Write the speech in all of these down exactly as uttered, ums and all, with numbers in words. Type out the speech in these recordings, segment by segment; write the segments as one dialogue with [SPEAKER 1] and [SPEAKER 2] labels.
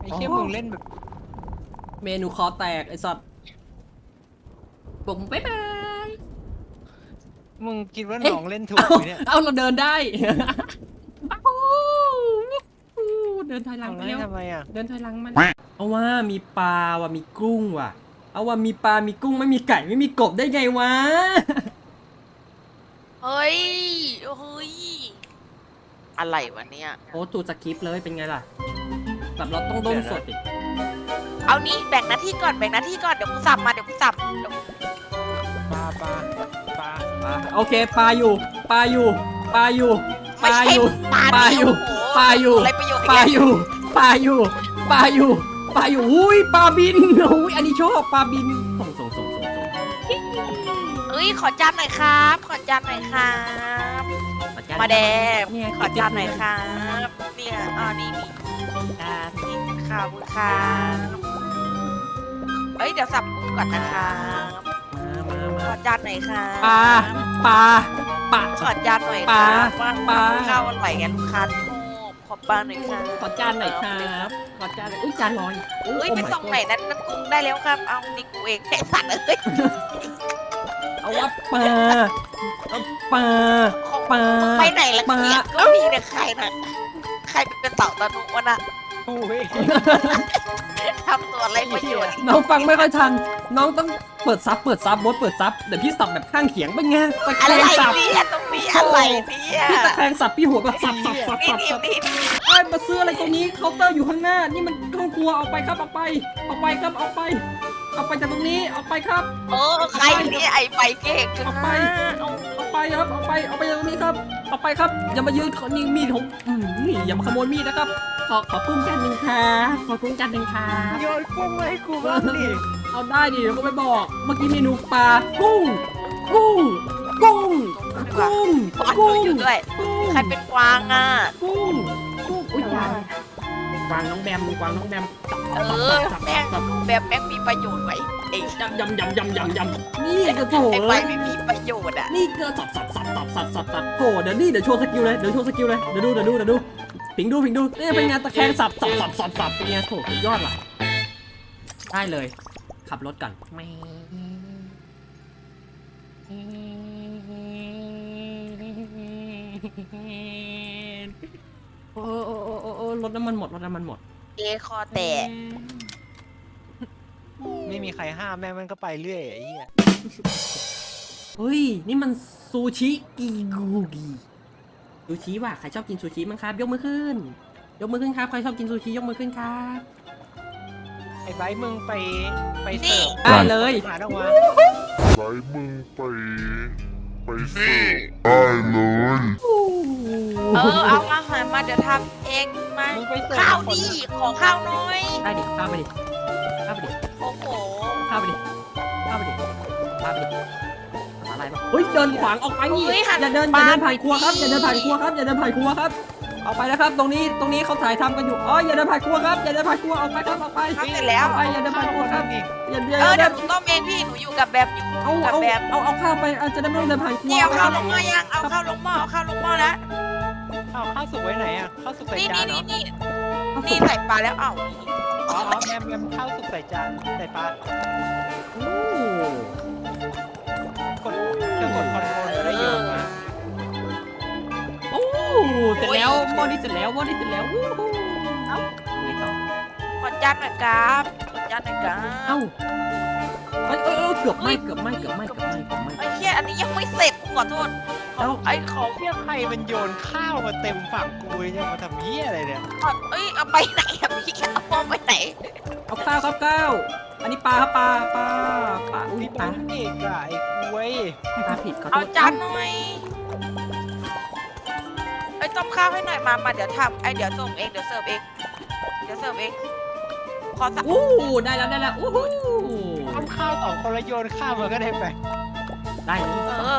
[SPEAKER 1] อ้เหี้ยมึงเล่นแบบ
[SPEAKER 2] เมนูคอแตกไอ้สัตว์ผมบ๊ายบาย
[SPEAKER 1] มึงคิดว่าน้องเล่นถูกไหมเนี่ย
[SPEAKER 2] เอาเราเดินได้เดินถอยหลังไป
[SPEAKER 1] เล่
[SPEAKER 2] แล้
[SPEAKER 1] น
[SPEAKER 2] ว
[SPEAKER 1] ทำไมอ่ะ
[SPEAKER 2] เดินถอยหลังมันเอาว่ามีปลาว่ะมีกุ้งว่ะเอาว่ามีปลามีกุ้งไม่มีไก่ไม่มีกบได้ไงวะ
[SPEAKER 3] เฮ้ยเฮ้ยอะไรวะเนี่ย
[SPEAKER 2] โอ้ตูสคริปต์เลยเป็นไงล่ะแบบเราต้องด้นสดดิ
[SPEAKER 3] เอานี่แบ่งหน้าที่ก่อนแบ่งหน้าที่ก่อนเดี๋ยวกูสับมาเดี๋ยวกูสับเดี๋ยว
[SPEAKER 1] ปลาปลาปลา
[SPEAKER 2] ปลาโอเคปลาอยู่ปลาอยู่ปลาอยู่ป
[SPEAKER 3] ไม่
[SPEAKER 2] ลา
[SPEAKER 3] ใช่
[SPEAKER 2] อยู่
[SPEAKER 3] ปลา
[SPEAKER 2] ปลาอยู่ปลาอยู่
[SPEAKER 3] อะไรประโยชน์
[SPEAKER 2] ปลาอยู่ปลาอยู่ปลาอยู่ปลาอยู่อุ้ยปลาบินอุ้ยอันนี้ชอบปลาบินส่งส่งส่งส่งส่ง
[SPEAKER 3] เอ้ยขอจานหน่อยครับ ขอจานหน่อยครับ มาแดง
[SPEAKER 2] เนี่ย
[SPEAKER 3] ขอจานหน่อยครับเนี่ยอ่านี่นี่อ่านี่ข้าวครับเอ้ยเดี๋ยวสับกุ้งก่อนนะครับ
[SPEAKER 2] มา
[SPEAKER 3] ข
[SPEAKER 2] มา
[SPEAKER 3] อจานหน่อยครับ
[SPEAKER 2] ปลาปลาปลา
[SPEAKER 3] ขอจานหน่อย
[SPEAKER 2] ป
[SPEAKER 3] ค
[SPEAKER 2] ลา
[SPEAKER 3] รับว่า
[SPEAKER 2] ปลา
[SPEAKER 3] ข้าวอร่อยไงลูกค้าชอบขอปลาหน่อยครับ
[SPEAKER 2] ขอจานหน่อยครับขอจานหน่อยอุ้ยจานลอย
[SPEAKER 3] เอ้ยไปส่งไหนนั้นน้ำกุ้งได้แล้วครับ เอานี่กูเองแค่สัตว์เอ้ย
[SPEAKER 2] เอาว่าปลาเอาปลา ปลา
[SPEAKER 3] ไปไหนละ
[SPEAKER 2] ปลา
[SPEAKER 3] เนี่ยก็มีแต่ใครน่ะใครเป็นเต่าตะนุวะน่ะ
[SPEAKER 1] โอ้ย
[SPEAKER 3] ทำตัวอะไรประโยชน์
[SPEAKER 2] น้องฟังไม่ค่อยทันน้องต้องเปิดซับเปิดซับบดเปิดซับเดี๋ยวพี่สับแบบข้างเขียงเป็นไงตะแค
[SPEAKER 3] อะไร
[SPEAKER 2] งสับ
[SPEAKER 3] เนี่ยตรงนี้อะไรเนี่ย
[SPEAKER 2] พี่ตะแคงสับพี่หัวแบบสับสับสับ
[SPEAKER 3] นี่
[SPEAKER 2] สับ
[SPEAKER 3] นี่
[SPEAKER 2] สับ
[SPEAKER 3] นี่
[SPEAKER 2] ไอ้ยมาซื้ออะไรตรงนี้เคาน์เตอร์อยู่ข้างหน้านี่มันห้องครัวเอาไปครับเอาไปเอาไปครับเอาไป เอาไปจากตรงนี้เอาไปครับ
[SPEAKER 3] โอ้ใครเนี่ยไอ้ไปเก่งจัง
[SPEAKER 2] เอาไป
[SPEAKER 3] นะเอา
[SPEAKER 2] เอาไปครับเอาไปเอาไปจากตรงนี้ครับเอาไปครับอย่ามายืนขอนี่มีดของอืมนี่อย่ามาขโมยมีดนะครับขอขอปุ้มจานหนึ่งครับขอปุ้มจานหนึ่งครับ
[SPEAKER 1] โยนกุ้งมาให้กูบ้างดิ
[SPEAKER 2] เอาได้ดิเดี๋ยวก็ไปบอกเมื่อกี้เมนูปลากุ้งกุ้งกุ้งกุ้ง
[SPEAKER 3] ขอดู
[SPEAKER 2] กุ้ง
[SPEAKER 3] อยู่ด้วย
[SPEAKER 2] กุ้ง
[SPEAKER 3] ใครเป็นกวางอ่ะ
[SPEAKER 2] กุ้งกุ้งอุ้ยกวางกวางน้องแบมกวางน้องแบม
[SPEAKER 3] เออแม่งแบบแม่งมีประโยชน์ไว้ไอ้
[SPEAKER 2] ยำยำยำยำยำยำนี่กระโถ
[SPEAKER 3] ไอ้
[SPEAKER 2] เล
[SPEAKER 3] ไป
[SPEAKER 2] ย
[SPEAKER 3] ไม่มีประโยชน์อ่ะ
[SPEAKER 2] นี่เกลือสับสับสับสับสับสับสับโอ้เดี๋ยวนี่เดี๋ยวโชว์สกิลเลยเดี๋ยวโชว์สกิลเลยเดี๋ยวดูเดี๋ยวดูเดี๋ยวดูผิงดูผิงดูนี่เป็นไงตะแคงสับสับสับสับสับเป็นไงโถสุดยอดว่ะได้เลย ขับรถก่อนไม่โอ้โอ้โอ้โอ้โอ้รถน้ำมันหมดรถน้ำมันหมด
[SPEAKER 3] เอคอแตก
[SPEAKER 1] ไม่มีใครห้ามแม่งมันก็ไปเรื่อยไอ้เหี้ย
[SPEAKER 2] เฮ้ยนี่มันซูชิกีกูกีซูชิว่ะใครชอบกินซูชิมั้งครับยกมือขึ้น ยกมือขึ้นครับใครชอบกินซูชิยกมือขึ้นครับ
[SPEAKER 1] ไอ้ไบร์ทมึงไปไปเสิร์ฟ
[SPEAKER 2] ได้เลย
[SPEAKER 1] หาออกมา
[SPEAKER 4] ไว้มึงไป ไปเสิร์ฟได้เลย
[SPEAKER 3] เออเอาอาหารมาเดี๋ยวทำเองมา
[SPEAKER 1] มึงไปเสิร์ฟ
[SPEAKER 3] ข้าว
[SPEAKER 1] คน
[SPEAKER 3] ดิขอข้าวหน้อย
[SPEAKER 2] ได้ดิข้าวไปดิข้าวไปดิ
[SPEAKER 3] โอ้โห
[SPEAKER 2] ข้าวไปดิข้าวไปดิข้าวไปดิอะไรบ้างเฮ้ยเดินขวางออกไปนี่อย่าเดินอย่าเดินผ่านครัวครับอย่าเดินผ่านครัวครับอย่าเดินผ่านครัวครับออกไปนะครับตรงนี้ตรงนี้เขาถ่ายทำกันอยู่อ๋ออย่าเดินผ่านครัวครับอย่าเดินผ่านครัวออกไปครับออกไป
[SPEAKER 3] ทำเสร็จแล้ว
[SPEAKER 2] ออกไปอย่าเดินผ่านครัวครับอย่าอย่า
[SPEAKER 3] เออ
[SPEAKER 2] อย่า
[SPEAKER 3] เดี๋
[SPEAKER 2] เดิ
[SPEAKER 3] ยวน หนูต้มเองพี่หนูอยู่กับแบบอยู่
[SPEAKER 2] เอา
[SPEAKER 3] กับ
[SPEAKER 2] เอา
[SPEAKER 3] แบบ
[SPEAKER 2] เอาเอาข้าวไปอาจจะได้ไม่ต้องเดินผ่านครัว
[SPEAKER 3] นี่เอาข้าวลงหม้อยังเอาข้าวลงหม้อเอาข้าวลงหม้อแล้ว
[SPEAKER 1] เอาข้าวสุกไว้ไหนอ่ะข้าวสุกใส่
[SPEAKER 3] นี่
[SPEAKER 1] จา
[SPEAKER 3] นี่
[SPEAKER 1] นเหร
[SPEAKER 3] นี่
[SPEAKER 1] อ
[SPEAKER 3] นี่นี่ใส่ปลาแล้วเอ้า
[SPEAKER 1] อ๋ออ๋อแมมแมมข้าวสุกใส่จานใส่ปลา
[SPEAKER 2] โอ้
[SPEAKER 1] กดจะกดคอนโทรลก็ได้โยนมา
[SPEAKER 2] โอ้เสร็จแล้วหม้อนี้เสร็จแล้วหม้อนี้เสร็จแล้ววู้ฮู้เอ้าไงต่อ
[SPEAKER 3] ขอจานหน่อยครับขอจานหน่อยครับ
[SPEAKER 2] เอ้าเอ้ยเอ้ยเอ้ยเกือบไหมเกือบไหมเกือบไหมเกือบไหมเกือบไหม
[SPEAKER 3] ไอ้เหี้ยอันนี้ยังไม่เสร็จกูขอโทษ
[SPEAKER 2] แล้ว
[SPEAKER 3] ไอ้ขอ
[SPEAKER 1] เที่ยใครมันโยนข้าวมาเต็มฝั่งกูเลยเนี่ยมาทำเหี้ยอะไรเนี่ย
[SPEAKER 3] ขอเอ้ยเอาไปไหนอะพี่แกเอาหม้อไปไหน
[SPEAKER 2] เอาข้าวครับข้าวอันนี้ปลาครับปลาปลาปลาอุ้ย
[SPEAKER 1] นี่
[SPEAKER 2] ปลา
[SPEAKER 1] เป็นเด็กอะไอ้กล้วย
[SPEAKER 2] ปลาผิดขอโท
[SPEAKER 3] เอา
[SPEAKER 2] ษ
[SPEAKER 3] จานหน่อยไอ้ต้มข้าวให้หน่อยมามาเดี๋ยวทำไอ้เดี๋ยวส่งเองเดี๋ยวเสิร์ฟเองเดี๋ยวเสิร์ฟเองขอสัก
[SPEAKER 2] อู้ได้แล้วได้แล้วอู้หู
[SPEAKER 1] ทำข้าวสองคนละโยนข้าวมาก็ได้ไป
[SPEAKER 2] ได้เลย
[SPEAKER 3] เออ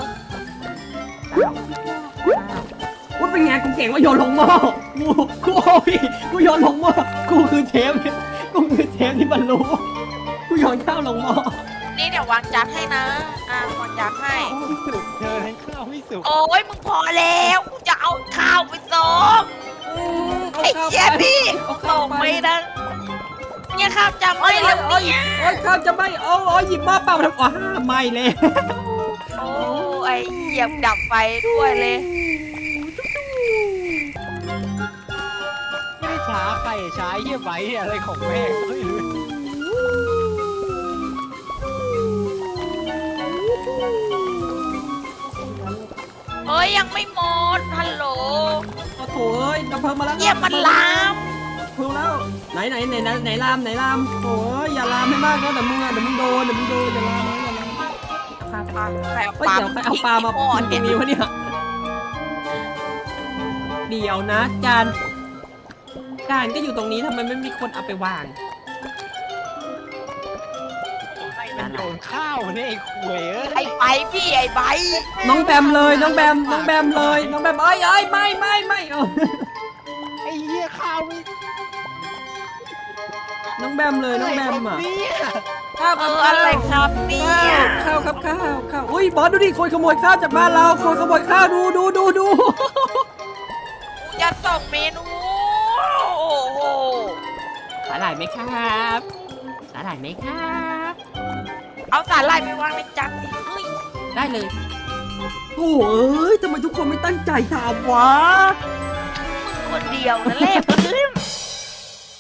[SPEAKER 2] ว่าเป็นไงกูเก่งว่าโยนลงหม้อกูกูโอ้ยกูโยนลงหม้อกูคือเชฟกูคือเชฟที่บรรลุกูโยนข้าวลงหม้อ
[SPEAKER 3] นี่เดี๋ยววางจานให้นะอ่าวางจานให้
[SPEAKER 1] ข้าวไม่สุกเธอทั้งข้าวไม่สุก
[SPEAKER 3] โอ้ยมึงพอแล้วกูจะเอาข้าวไปส่ง
[SPEAKER 2] โอ้
[SPEAKER 3] ไอ้
[SPEAKER 2] ข้าว
[SPEAKER 3] เจี๊ยพี่
[SPEAKER 2] เอา
[SPEAKER 3] ต
[SPEAKER 2] ข้าว
[SPEAKER 3] ก
[SPEAKER 2] ไป
[SPEAKER 3] ไปนะเนี่ยข้าวจำไม่
[SPEAKER 2] โอ้
[SPEAKER 3] แล้
[SPEAKER 2] ยว โอ้ย
[SPEAKER 3] เนี่ย
[SPEAKER 2] โอ้ยข้าวจะไหม่โอ้โอ้ยหยิบหม้อเปล่ามาทำอ๋อไม่เลย
[SPEAKER 3] โอ้ไอ้เหยียบดับไฟด้วยเลย
[SPEAKER 1] ไม่ได้ช้าใครช้าเฮียไว้อะไรของแม่งไม่รู้
[SPEAKER 3] เฮ้ยยังไม่หมดฮัลโหล
[SPEAKER 2] โอ้โถเอ้ยดับเพลิงมาแล้ว
[SPEAKER 3] เหยียบมันลาม
[SPEAKER 2] เพลิงแล้วไหนไหนไหนไหนไหนลามไหนลามโอ้ยอย่าลามให้มากนะเดี๋ยวมึงอ่ะเดี๋ยวมึงโดนเดี๋ยวมึงโดนอย่าลามนะอย่าลามครับ
[SPEAKER 3] ปลาใครเอา
[SPEAKER 2] เฮ้ย
[SPEAKER 3] ปลา
[SPEAKER 2] เดี๋ยวใครเอาปลามา
[SPEAKER 3] หม้อ
[SPEAKER 2] ทิ้งต
[SPEAKER 3] เนี่
[SPEAKER 2] ร
[SPEAKER 3] ย
[SPEAKER 2] งนี้วะเนี่ยเดี๋ยวนะจานจานก็อยู่ตรงนี้ทำไมไม่มีคนเอาไปวาง
[SPEAKER 1] ใครมันโยนข้าวเนี่ยไอ้ขวยเอ้ย
[SPEAKER 3] ไอ้ใบพี่ไอ้ใบ
[SPEAKER 2] น้องแบมเลยน้องแบมน้องแบมเลยน้องแบมเอ้ยเอ้ยไม่ไม่ไม่เออ
[SPEAKER 1] ไอ้เหี้ยข้าวไม่
[SPEAKER 2] น้องแบมเลยน้องแบมอ่ะ
[SPEAKER 1] เนี่ย
[SPEAKER 2] ข้าว
[SPEAKER 3] เอ
[SPEAKER 2] ครับ
[SPEAKER 3] ออะไรครับเนี่
[SPEAKER 2] ข้าวย ข้าวครับข้าวข้าวอุ้ยบอสดูดิคนขโมยข้าวจากบ้านเราคนขโมยข้าวดูดูดูดู
[SPEAKER 3] จะส่งเมนูโอ้โห
[SPEAKER 2] สาหร่ายไหมครับสาหร่ายไหมครับ
[SPEAKER 3] เอาสาหร่ายไปวางในจานสิเฮ้ย
[SPEAKER 2] ได้เลยโอ้เอ้ยทำไมทุกคนไม่ตั้งใจทำวะ
[SPEAKER 3] มึงคนเดียวนะแหละเพื่อน